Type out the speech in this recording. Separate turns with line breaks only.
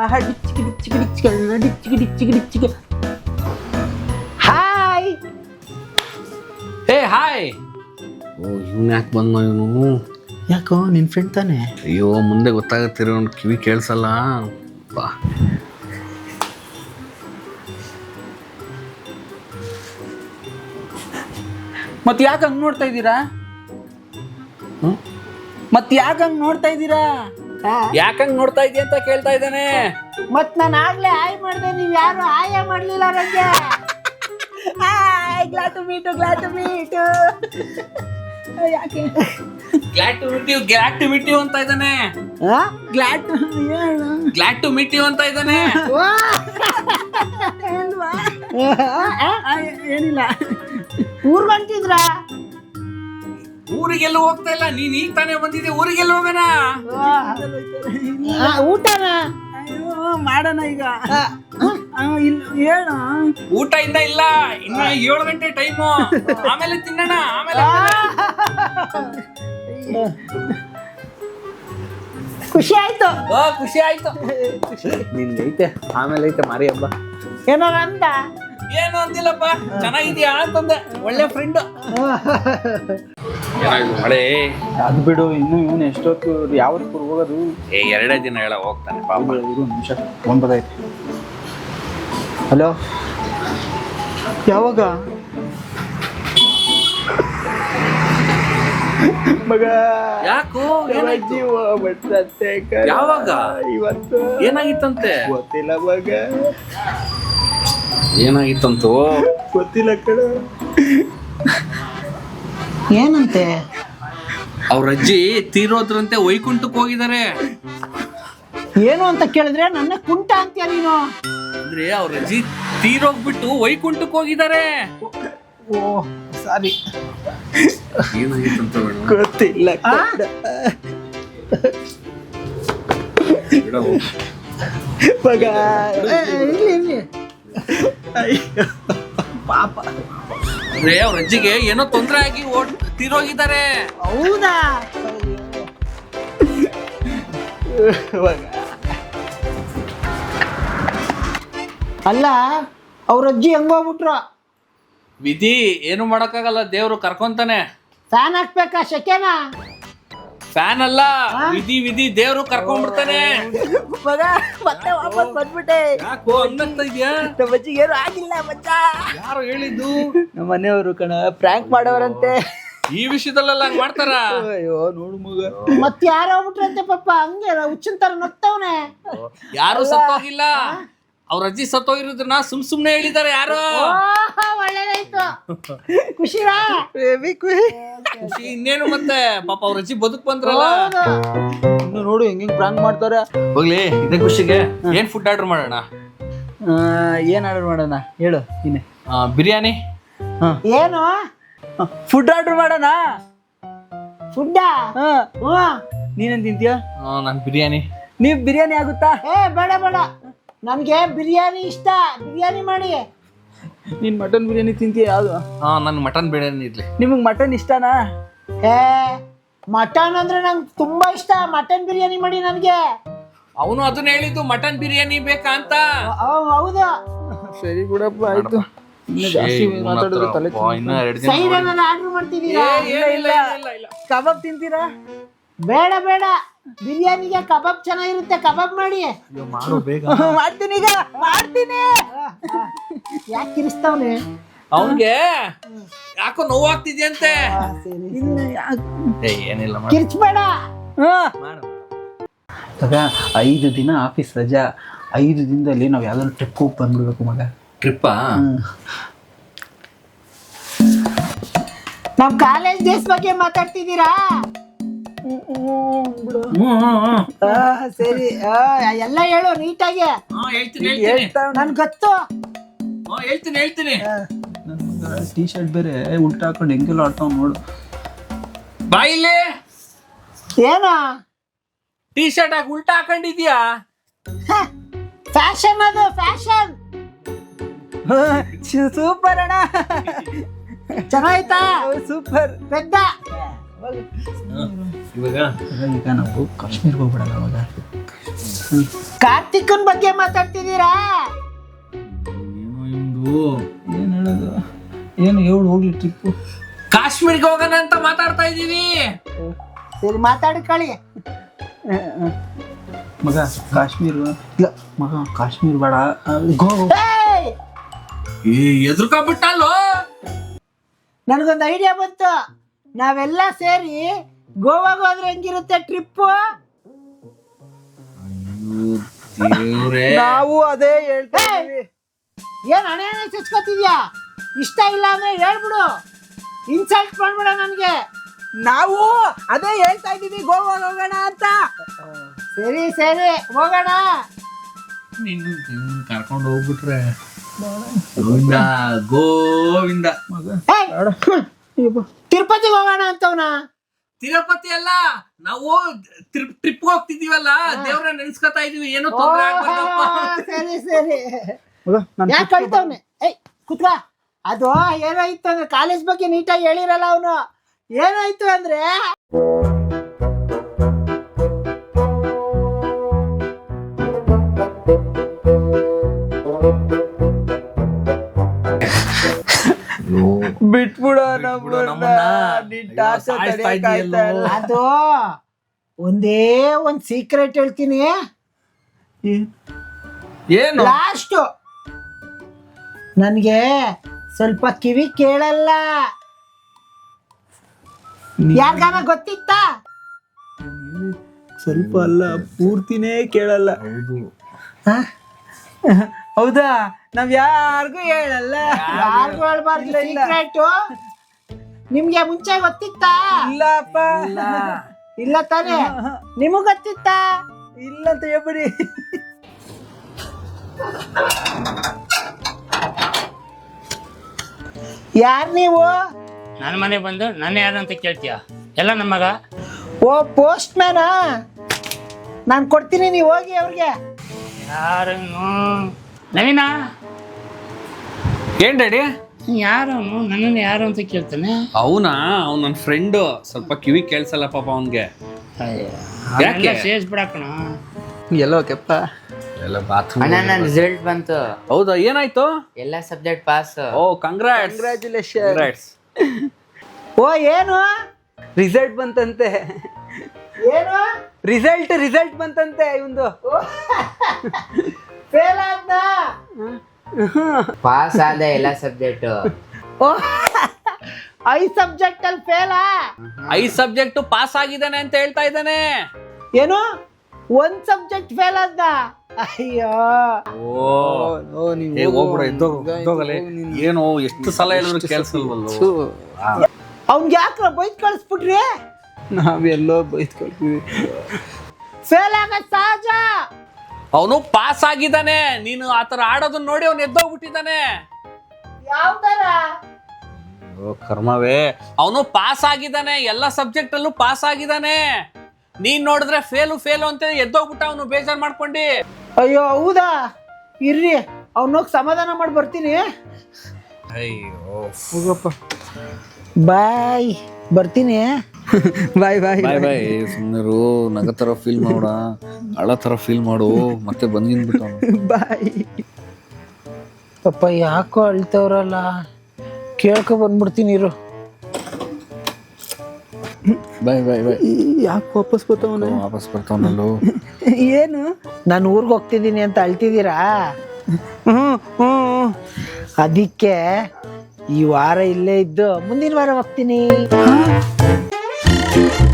Hi.
ಏ hi. ಓ ಇವ್ನು ಯಾಕೆ ಬಂದ ಇವನು?
ಯಾಕೋ ನಿನ್ ಫ್ರೆಂಡ್ ತಾನೆ?
ಅಯ್ಯೋ ಮುಂದೆ ಗೊತ್ತಾಗತ್ತಿರೋ ಕಿವಿ ಕೇಳಿಸಲ್ಲ ಬಾ.
ಮತ್ ಯಾಕೆ ಹಂಗ್ ನೋಡ್ತಾ ಇದ್ದೀರಾ? ಮತ್ ಯಾಕೆ ಹಂಗ್ ನೋಡ್ತಾ ಇದ್ದೀರಾ?
ಯಾಕಂಗ್ ನೋಡ್ತಾ ಇದೀಯ ಅಂತ ಕೇಳ್ತಾ ಇದ್ದಾನೆ.
ಮತ್ ನಾನು ಆಗ್ಲೇ ಹಾಯ್ ಮಾಡಿದೆ, ನೀವ್ ಯಾರು ಹಾಯ ಮಾಡ್ಲಿಲ್ಲ ನನಗೆ. ಹಾಯ್, ಗ್ಲಾಡ್ ಟು ಮೀಟ್ ಯಾಕೆ
ಗ್ಲಾಡ್ ಟು ಮೀಟ್ ಯು ಅಂತ ಇದ್ದಾನೆ. ಗ್ಲಾಡ್ ಟು ಮೀಟ್ ಯು ಅಂತ ಇದ್ದಾನೆ.
ಏನಿಲ್ಲ. ಊರ್ಗಂಟಿದ್ರ?
ಊರಿಗೆಲ್ಲ ಹೋಗ್ತಾ ಇಲ್ಲ, ನೀನ್ ಈಗ ತಾನೇ ಬಂದಿದ್ದೆ. ಊರಿಗೆಲ್ಲ ಹೋಗೋಣ.
ಊಟನ ಮಾಡೋಣ ಈಗ. ಹೇಳ.
ಊಟ ಇನ್ನ ಇಲ್ಲ, ಇನ್ನ 7 ಗಂಟೆ ಟೈಮು. ಆಮೇಲೆ ತಿನ್ನೋಣ. ಆಮೇಲೆ
ಖುಷಿ ಆಯ್ತು.
ಖುಷಿ ಆಯ್ತು. ನಿಂದೈತೆ ಆಮೇಲೆ ಐತೆ ಮಾರಿ ಹಬ್ಬ.
ಏನೋ ಅಂದ?
ಏನು ಅಂತಿಲ್ಲಪ್ಪ, ಚೆನ್ನಾಗಿದ್ಯಾ ಅಂತಂದೆ. ಒಳ್ಳೆ ಫ್ರೆಂಡ್. ಮಳೆ
ಅದು ಬಿಡು, ಇನ್ನು ಇವನು ಎಷ್ಟೊತ್ತು ಯಾವತ್ತು ಹೋಗೋದು?
2 ದಿನ ಹೇಳ ಹೋಗ್ತಾನೆ ಪಾಪ.
ನಿಮಿಷ ಫೋನ್ ಬದೈತೆ. ಹಲೋ, ಯಾವಾಗ ಮಗ?
ಯಾಕೋ
ಬರ್ತಂತೆ.
ಯಾವಾಗ?
ಇವತ್ತು.
ಏನಾಗಿತ್ತಂತೆ?
ಗೊತ್ತಿಲ್ಲ ಮಗ.
ಏನಾಗಿತ್ತಂತೂ
ಗೊತ್ತಿಲ್ಲ ಕಣ. ಏನಂತೆ?
ಅವ್ರ ಅಜ್ಜಿ ತೀರೋದ್ರಂತೆ, ವೈಕುಂಠಕ್ಕೆ ಹೋಗಿದ್ದಾರೆ.
ಏನು ಅಂತ ಕೇಳಿದ್ರೆ ನನ್ನ ಕುಂಟ ಅಂತೀಯ ನೀನು?
ಅಂದ್ರೆ ಅವ್ರ ಅಜ್ಜಿ ತೀರೋಗ್ಬಿಟ್ಟು ವೈಕುಂಠಕ್ಕೆ ಹೋಗಿದ್ದಾರೆ.
ಓ ಸಾರಿ.
ಏನಾಗಿತ್ತಂತ
ಗೊತ್ತಿಲ್ಲ. ಮಗ ಪಾಪ.
ಅಂದ್ರೆ ಅವ್ರ ಅಜ್ಜಿಗೆ ಏನೋ ತೊಂದರೆ ಆಗಿ ತೀರೋಗಿದ್ದಾರೆ.
ಹೌದಾ? ಅಲ್ಲ, ಅವ್ರ ಅಜ್ಜಿ ಹೆಂಗೋಗ್ಬಿಟ್ರು?
ವಿಧಿ ಏನು ಮಾಡಕ್ಕಾಗಲ್ಲ, ದೇವ್ರು ಕರ್ಕೊಂತಾನೆ.
ಫ್ಯಾನ್ ಹಾಕ್ಬೇಕಾ ಶೆಕೆನಾ?
ಫ್ಯಾನ್ ಅಲ್ಲ, ವಿಧಿ ದೇವ್ರು ಕರ್ಕೊಂಡ್ಬಿಡ್ತಾನೆ.
ಮಗ ಮತ್ತೆ ವಾಪಸ್ ಬಂದ್ಬಿಟ್ಟೆ.
ಯಾಕೋ ಹಂಗಂತ ಇದ್ಯಾ?
ನಮ್ಮ ಅಜ್ಜಿಗೆ ಏನು ಆಗಿಲ್ಲ ಮಚ್ಚ.
ಯಾರು ಹೇಳಿದ್ದು?
ನಮ್ಮ ಮನೆಯವರು ಕಣ, ಪ್ರ್ಯಾಂಕ್ ಮಾಡೋರಂತೆ.
ಈ ವಿಷಯದಲ್ಲೆಲ್ಲ ಹಂಗ್ ಮಾಡ್ತಾರ?
ಅಯ್ಯೋ ನೋಡು ಮಗ, ಮತ್ತೆ ಯಾರು ಹೋಗ್ಬಿಟ್ರಂತೆ ಪಾಪ. ಹಂಗೆ ಹುಚ್ಚಿನ ತರ ನಗ್ತವನೆ.
ಯಾರು ಸತ್ತೋಗಿಲ್ಲ, ಅವ್ರ ಅಜ್ಜಿ ಸತ್ತೋಗಿರೋದನ್ನ ಸುಮ್ನೆ ಹೇಳಿದ್ದಾರೆ ಯಾರು.
ಒಳ್ಳೇದಾಯ್ತು. ಖುಷಿ
ಖುಷಿ ಇನ್ನೇನು ಮತ್ತೆ. ಪಾಪ ಅವ್ರ ಅಜ್ಜಿ ಬದುಕ್ ಬಂದ್ರಲ್ಲ.
ಇನ್ನು ನೋಡು ಹೆಂಗ್ ಪ್ರಾಂಕ್ ಮಾಡ್ತಾರೆ.
ಹೋಗ್ಲಿ, ಇದೇ ಖುಷಿಗೆ ಏನ್ ಫುಡ್ ಆರ್ಡರ್ ಮಾಡೋಣ?
ಏನ್ ಆರ್ಡರ್ ಮಾಡೋಣ ಹೇಳು ನೀನೆ.
ಬಿರಿಯಾನಿ.
ಏನು ಫುಡ್ ಆರ್ಡರ್ ಮಾಡೋಣ? ಫುಡ್ ನೀನೇನ್ ತಿಂತೀಯ?
ನನ್ ಬಿರಿಯಾನಿ.
ನೀವ್ ಬಿರಿಯಾನಿ ಆಗುತ್ತಾ? ಬೇಡ ಬೇಡ, ನನ್ಗೆ ಬಿರಿಯಾನಿ ಇಷ್ಟ. ಬಿರಿಯಾನಿ ಮಾಡಿ. ನೀನ್ ಮಟನ್ ಬಿರಿಯಾನಿ ತಿಂತೀಯ? ಯಾವ್ದು?
ನನ್ ಮಟನ್ ಬಿರಿಯಾನಿ ಇರ್ಲಿ.
ನಿಮಗ್ ಮಟನ್ ಇಷ್ಟನಾ? ಮಟನ್ ಅಂದ್ರೆ ನಂಗೆ ತುಂಬಾ ಇಷ್ಟ. ಮಟನ್ ಬಿರಿಯಾನಿ ಮಾಡಿ ನನ್ಗೆ.
ಅವನು ಅದನ್ನ ಹೇಳಿದ್ದು, ಮಟನ್ ಬಿರಿಯಾನಿ ಬೇಕಾ ಅಂತ.
ಹೌದಾ? ಸರಿ ಬಿಡಪ್ಪ, ಆಯ್ತು. ಆರ್ಡರ್ ಮಾಡ್ತಿದ್ದೀರಾ? ಕಬಾಬ್ ತಿಂತೀರಾ? ಬೇಡ ಬೇಡ, ಬಿರಿಯಾನಿಗೆ ಕಬಾಬ್ ಚೆನ್ನಾಗಿರುತ್ತೆ. ಕಬಾಬ್ ಮಾಡಿ. ಮಾಡ್ತೀನಿ ಈಗ, ಮಾಡ್ತೀನಿ. ಯಾಕೆ ಕಿರಿಸ್ತವ್ನೆ?
ಅವನ್ಗೆ ಯಾಕೋ ನೋವಾಗ್ತಿದ್ಯಂತೆ. ಏನಿಲ್ಲ,
ಕಿರ್ಚ್ಬೇಡ. 5 ದಿನ ಆಫೀಸ್ ರಜಾ. 5 ದಿನದಲ್ಲಿ ನಾವ್ ಯಾವ್ದಾದ್ರು ಟ್ರಿಪ್ ಹೋಗಿ ಬಂದ್ಬಿಡ್ಬೇಕು ಮಗ.
ಟ್ರಿಪ್ಪಾ?
ನಮ್ ಕಾಲೇಜ್ ಡೇಸ್ ಬಗ್ಗೆ ಮಾತಾಡ್ತಿದ್ದೀರಾ? ಸರಿ, ಎಲ್ಲ ಹೇಳು ನೀಟಾಗಿ. ನನ್ ಗೊತ್ತು.
ಹೇಳ್ತೀನಿ.
ಟೀ ಶರ್ಟ್ ಬೇರೆ ಉಲ್ಟಾ ಹಾಕೊಂಡು ಹೆಂಗೆಲ್ಲ ಆಡ್ತಾವ್ ನೋಡು.
ಬಾಯಿಲೆ
ಏನ
ಟೀ ಶರ್ಟ್ ಹಾಕಿ ಉಲ್ಟಾ ಹಾಕೊಂಡಿದ್ಯಾ?
ಫ್ಯಾಷನ್ ಅದು, ಫ್ಯಾಷನ್. ಸೂಪರ್ ಅಣ್ಣ, ಚೆನ್ನಾಯ್ತಾ? ಸೂಪರ್. ಪೆದ್ದ. ಈಗ ನಾವು ಕಾಶ್ಮೀರ್ಗೆ ಹೋಗ್ಬಿಡಲ್ಲ ಅವಾಗ. ಕಾರ್ತಿಕನ್ ಬಗ್ಗೆ ಮಾತಾಡ್ತಿದ್ದೀರಾ?
ಏನೋ ಇವ್ನ್ದು.
ಏನು ಹೇಳೋದು? ಏನು ಹೇಳು ಹೋಗ್ಲಿ ಟ್ರಿಪ್ಪು.
ಕಾಶ್ಮೀರ್ಗೆ ಹೋಗೋಣ ಅಂತ ಮಾತಾಡ್ತಾ ಇದೀವಿ.
ಸರಿ ಮಾತಾಡ್ಕೊಳ್ಳಿ.
ಮಗ ಕಾಶ್ಮೀರ ಇಲ್ಲ ಮಗ, ಕಾಶ್ಮೀರ ಬೇಡ, ಗೋವಾ.
ಎದುರ್ಕೊಂಡ್ಬಿಟ್ಟಲ್ಲೋ.
ನನಗೊಂದು ಐಡಿಯಾ ಬಂತು. ನಾವೆಲ್ಲ ಸೇರಿ ಗೋವಾಗೆ ಹೋದ್ರೆ ಹೆಂಗಿರುತ್ತೆ ಟ್ರಿಪ್ಪು?
ನಾವು ಅದೇ ಹೇಳ್ತಾ ಇದೀವಿ.
ಏನ್ ಹಣೆ ಚಚ್ಕೋತಿದ್ಯಾ? ಇಷ್ಟ ಇಲ್ಲ ಅಂದ್ರೆ ಹೇಳ್ಬಿಡು, ಇನ್ಸಲ್ಟ್ ಮಾಡ್ಬೇಡ ನನ್ಗೆ.
ನಾವು ಅದೇ ಹೇಳ್ತಾ ಇದೀವಿ, ಗೋವಾ ಹೋಗೋಣ ಅಂತ.
ಸರಿ ಸರಿ ಹೋಗೋಣ.
ನೀನು ಕರ್ಕೊಂಡು ಹೋಗ್ಬಿಟ್ರೆ ಗೋವಿಂದ ಗೋವಿಂದ.
ತಿರುಪತಿಗೆ ಹೋಗೋಣ ಅಂತವ್ನ.
ತಿರುಪತಿ ಅಲ್ಲ, ನಾವು ಟ್ರಿಪ್ ಹೋಗ್ತಿದೀವಲ್ಲ, ದೇವ್ರ ನೆನ್ಸ್ಕೊತಾ ಇದೀವಿ. ಏನೋ ತೊಂದ್ರೆ ಆಗ್ಬಾರ್ದಪ್ಪ.
ಸರಿ ಸರಿ. ಯಾಕೆ ಕಳ್ತವ್ನೆ? ಏಯ್ ಕುತ್ಕ. ಅದು ಏನಾಯ್ತು ಅಂದ್ರೆ ಕಾಲೇಜ್ ಬಗ್ಗೆ ನೀಟಾಗಿ ಹೇಳಿರಲ್ಲ ಅವನು. ಏನಾಯ್ತು ಅಂದ್ರೆ
ಬಿಟ್ಬಿಡ
ಅದು ಒಂದೇ ಒಂದ್ ಸೀಕ್ರೆಟ್ ಹೇಳ್ತೀನಿ.
ಏನು?
ಲಾಸ್ಟ್ ನನ್ಗೆ ಸ್ವಲ್ಪ ಕಿವಿ ಕೇಳಲ್ಲ. ಯಾರ್ಗಾನ ಗೊತ್ತಿತ್ತಾ?
ಸ್ವಲ್ಪ ಅಲ್ಲ, ಪೂರ್ತಿನೇ ಕೇಳಲ್ಲ. ಹೌದಾ? ನಾವ್ ಯಾರಿಗೂ ಹೇಳಲ್ಲ.
ಯಾರಿಗೂ ಹೇಳ್ಬಾರ್ದು ಸೀಕ್ರೆಟ್. ನಿಮ್ಗೆ ಮುಂಚೆ ಗೊತ್ತಿತ್ತಾ?
ಇಲ್ಲಪ್ಪ.
ಇಲ್ಲ ತಾನೇ? ನಿಮಗ್ ಗೊತ್ತಿತ್ತಾ?
ಇಲ್ಲ ಅಂತ ಹೇಳ್ಬಿಡಿ.
ಯಾರ್ ನೀವು?
ನನ್ನ ಮನೆ ಬಂದು ನನ್ನ ಯಾರು ಅಂತ ಕೇಳ್ತೀಯ? ಎಲ್ಲ ನಮ್ಮ ಮಗ.
ಓ ಪೋಸ್ಟ್ ಮ್ಯಾನಾ? ನಾನು ಕೊಡ್ತೀನಿ, ನೀವು ಹೋಗಿ ಅವ್ರಿಗೆ.
ಯಾರನು? ನವೀನ,
ಏನ್ ಡ್ಯಾಡಿ?
ಯಾರವನು ನನ್ನನ್ನು ಯಾರು ಅಂತ ಕೇಳ್ತಾನೆ?
ಅವನಾ? ಅವ್ನು ನನ್ನ ಫ್ರೆಂಡು. ಸ್ವಲ್ಪ ಕಿವಿ ಕೇಳ್ಸಲ್ಲ ಪಾಪ ಅವನ್ಗೆ. ಯಾಕೆ?
ಸೇರಿಸ್ಬಿಡಕಣ.
ಎಲ್ಲೋ ಕೆಪ್ಪ
ಎಲ್ಲ ಬಾತ್ರೂಮ್.
ಅಣ್ಣ ನನ್ನ ರಿಸಲ್ಟ್ ಬಂತು.
ಹೌದಾ? ಏನಾಯ್ತು?
ಎಲ್ಲ ಸಬ್ಜೆಕ್ಟ್ ಪಾಸ್.
ಓ ಕಂಗ್ರಾಟ್ಸ್.
ಕಂಗ್ರ್ಯಾಚುಲೇಷನ್.
ಓ ಏನು
ರಿಸಲ್ಟ್ ಬಂತಂತೆ.
ಏನು
ರಿಸಲ್ಟ್ ಬಂತಂತೆ ಇವಂದು.
ಫೇಲ್ ಆದ್ನ?
ಪಾಸ್ ಆದ ಎಲ್ಲ ಸಬ್ಜೆಕ್ಟ್.
ಓ 5 ಸಬ್ಜೆಕ್ಟ್ ಅಲ್ಲಿ ಫೇಲಾ?
5 ಸಬ್ಜೆಕ್ಟ್ ಪಾಸ್ ಆಗಿದ್ದಾನೆ ಅಂತ ಹೇಳ್ತಾ ಇದ್ದಾನೆ.
ಏನು 1 ಸಬ್ಜೆಕ್ಟ್ ಫೇಲ್ ಆದ್ನ? ಅಯ್ಯೋ
ಏನು ಎಷ್ಟು ಸಲ ಹೇಳಿದ್ರು ಕೇಳಿಸಲ್ವಲ್ಲ.
ಅವ್ನ್ಗೆ ಯಾಕೆ ಬೈದ್ ಕಳಿಸ್ಬಿಟ್ರಿ?
ನಾವೆಲ್ಲೋ ಬೈದ್ ಕಳ್ತೀವಿ.
ಫೇಲ್ ಆಗದ್ ಸಹಜ.
ಅವನು ಪಾಸ್ ಆಗಿದ್ದಾನೆ. ನೀನು ಆತರ ಆಡೋದನ್ನ ನೋಡಿ ಅವ್ನು ಎದ್ದೋಗ್ಬಿಟ್ಟಿದ್ದಾನೆ.
ಯಾವ ತರ?
ಕರ್ಮವೇ, ಅವನು ಪಾಸ್ ಆಗಿದ್ದಾನೆ. ಎಲ್ಲ ಸಬ್ಜೆಕ್ಟ್ ಅಲ್ಲೂ ಪಾಸ್ ಆಗಿದ್ದಾನೆ. ನೀನ್ ನೋಡಿದ್ರೆ ಫೇಲು ಅಂತ ಎದ್ದೋಗ್ಬಿಟ್ಟ ಅವನು ಬೇಜಾರ್ ಮಾಡ್ಕೊಂಡಿ.
ಅಯ್ಯೋ ಹೌದಾ? ಇರ್ರಿ, ಅವ್ನೋಗಿ ಸಮಾಧಾನ ಮಾಡಿ ಬರ್ತೀನಿ.
ಅಯ್ಯೋ
ಹೋಗಪ್ಪ.
ಬಾಯ್, ಬರ್ತೀನಿ.
ಬಾಯ್ ಬಾಯ್
ಬಾಯ್ ಬಾಯ್. ಸುಮ್ಮನಿರು, ನಗ ತರ ಫೀಲ್ ಮಾಡೋಣ, ಅಳ ತರ ಫೀಲ್ ಮಾಡು. ಮತ್ತೆ ಬಂದ್ಬಿಟ್ಟು
ಬಾಯ್. ಪಾಪ ಯಾಕೋ ಅಳ್ತವ್ರಲ್ಲ, ಕೇಳ್ಕೊ ಬಂದ್ಬಿಡ್ತೀನಿ ಇರು.
ಬಾಯ್ ಬಾಯ್ ಬಾಯ್.
ಯಾಕೆ ವಾಪಸ್
ಬರ್ತಾವನಲ್ಲೋ.
ಏನು?
ನಾನು ಊರಿಗೆ ಹೋಗ್ತಿದ್ದೀನಿ ಅಂತ ಅಳ್ತಿದ್ದೀರಾ? ಅದಕ್ಕೆ ಈ ವಾರ ಇಲ್ಲೇ ಇದ್ದು ಮುಂದಿನ ವಾರ ಹೋಗ್ತೀನಿ.